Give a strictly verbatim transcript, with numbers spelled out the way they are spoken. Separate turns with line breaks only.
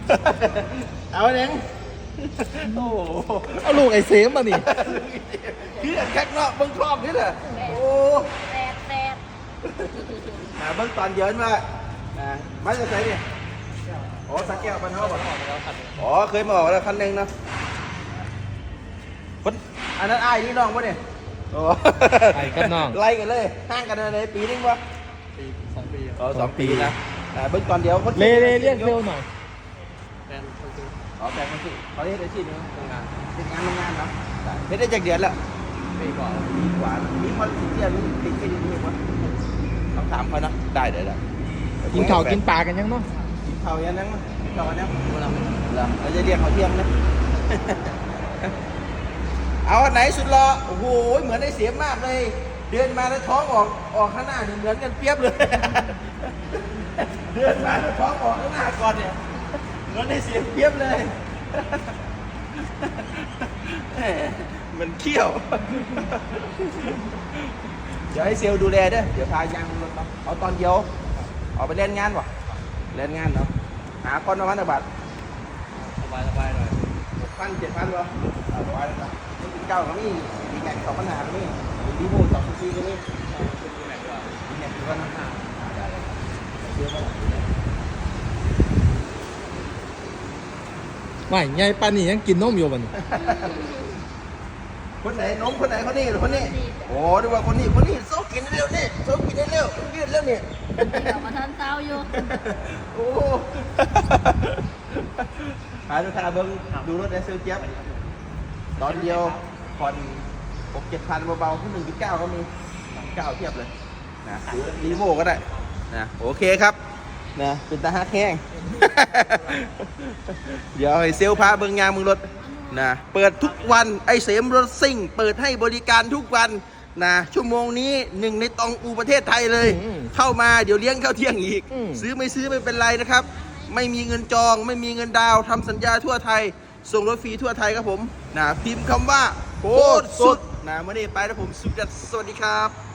เอาเองโอ้
เอาลูกไอ้เสมมานี่
คือแค่นอกเบิ้งครอบนี่แหละโอ้
แปดแปด
เบิ้งตอนเยินมามาจะใส่เนี่ยโอ้สักแก้วปันเท่าป่ะอ๋อเคยมาบอกแล้วคันหนึ่งนะคนอันนั้นไอ้นี่น้องป่ะเนี่ยโอ้
ไอ้กับน้อง
ไล่กันเลยห่างกันเลยปีนึงวะ
ปีสองปี
อ๋อสองปีนะเบิ้งตอนเดียวคน
เลเลเรียกเร็วหน่อย
แฟนคนซื้อ
อ๋อแฟนมันสิเขาเรียกอาชีพนี้
ทำงาน
เป็นงานโรงงานเนาะไม่ได้จากเดือนละ
ปีกว่า
ดีกว่านี่มันเสียนี่ติดแค่นี้วะต้องถามเขานะได้เดี๋ยวได้
กินข้าวกินปลากันยังเนาะ
กินข้าวยังนั่งมั้ยกินข้าวยัง
ดูแล้ว
เหรอเราจะเรียกเขาเที่ยงนะ เอาอันไหนสุดรอโอ้โหเหมือนได้เสียมากเลย เดินมาแล้วท้องออกออกข้างหน้าเนี่ยเหมือนกันเปียบเลย เดินมาแล้วท้องออกข้างหน้าก่อนเนี่ยเหมือนได้เสียเปียบเลย แหมมันเขี้ยว เดี๋ยวให้เซลล์ดูแลเด้อเดี๋ยวพายางรถเนาะเอาตอนเดียวออกไปเล่นงานวะเล่นงานเนาะหาคนมาพันธบัตร
สบายสบายหน่อย
หกพันเจ็ดพันวะเอาไว้แล้วนะนี่เก้าก็มีมีแม็กสองพันหาก็มีมีดีโม่สองพันสี่ก็มี
เป็นปีไหนก็
มีแม็กกี่พันห้าได้เลยเชื่อมั้ย
ไม่ไงปลานี่ยังกินนมอยู่มัน
คนไหนน้องคนไหนคนนี้หรือคนนี้โอ้ดูว่าคนนี้คนนี้โซ่กินได้เร็วนี่โซ่กินได้เร็วยืดเร็วเนี่ย
เดี๋ยวมาทันเต้าอยู่
โอ้หาดูทาเบิ้งดูรถไอเซลเจี๊ยบตอนเดียวผ่อนหกเจ็ดพันเบาๆที่หนึ่งจุดเก้าก็มีเก้าเทียบเลยนะหรือรีโวก็ได้นะโอเคครับนะเป็นตาฮักแห้ง เดี๋ยวให้เซลพาเบิ้งงานมึงรถนะเปิดทุกวันไอเสมรถซิ่งเปิดให้บริการทุกวันนะชั่วโมงนี้หนึ่งในตองอูประเทศไทยเลย
อืม
เข้ามาเดี๋ยวเลี้ยงข้าวเที่ยงอีก
อืม
ซื้อไม่ซื้อไม่เป็นไรนะครับ ไม่มีเงินจองไม่มีเงินดาวน์ทำสัญญาทั่วไทย ส่งรถฟรีทั่วไทยครับผมนะพิมพ์คำว่าโคตรสุดนะเมื่อนี้ไปแล้วผมสุดจัดสวัสดีครับ